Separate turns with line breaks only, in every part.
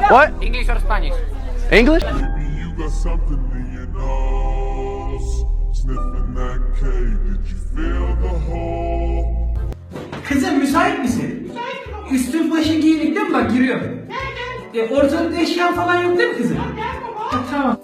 What?
English or Spanish?
English?
Maybe you got something in your nose. Sniffing that K, did you feel the hole?
Kızım müsait misin? Üstün başın giyinik değil mi? Bak giriyorum. Ortalıkta eşyan falan yok değil mi kızım? Tamam.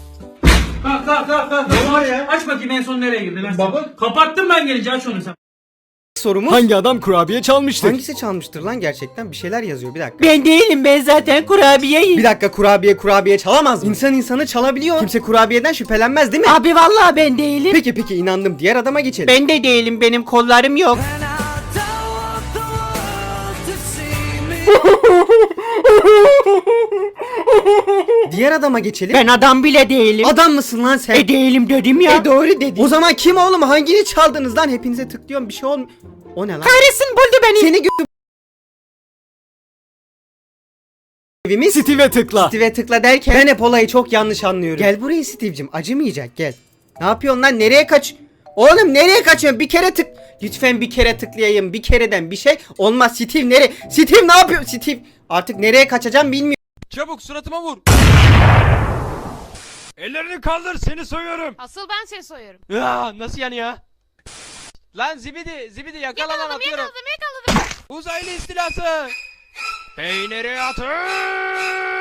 Kalk. Ne var ya? Aç bakayım en son nereye girdin? Baba. Kapattım ben gelince, aç onu sen.
Sorumuz
Hangi adam kurabiye çalmıştır?
hangisi çalmıştır lan gerçekten? Bir şeyler yazıyor, bir dakika.
Ben değilim, ben zaten kurabiyeyim.
Bir dakika, kurabiye çalamaz mı? İnsan insanı çalabiliyor. Kimse kurabiyeden şüphelenmez değil mi?
Abi vallahi ben değilim.
Peki inandım. Diğer adama geçelim.
Ben de değilim, benim kollarım yok.
Diğer adama geçelim.
Ben adam bile değilim.
Adam mısın lan sen?
Değilim dedim ya.
Doğru dedi. O zaman kim oğlum? Hangini çaldınız lan? Hepinize tıklıyorum, bir şey olmuyor. O ne lan?
Kahretsin, buldu beni.
Seni evimiz
Steve'e tıkla.
Steve'e tıkla derken ben hep olayı çok yanlış anlıyorum. Gel buraya Steve'cim, acımayacak, gel. Ne yapıyorsun lan, nereye kaç? Oğlum nereye kaçıyorsun? Bir kere tık. Lütfen bir kere tıklayayım, bir kereden bir şey olmaz. Steve nereye? Steve ne yapıyor? Steve artık nereye kaçacağım bilmiyorum.
Çabuk suratıma vur. Ellerini kaldır, seni soyuyorum.
Asıl ben seni soyuyorum.
Nasıl yani ya? Lan zibidi yakala lan, atıyorum.
Yakaladım.
Uzaylı istilası. Peyniri atın.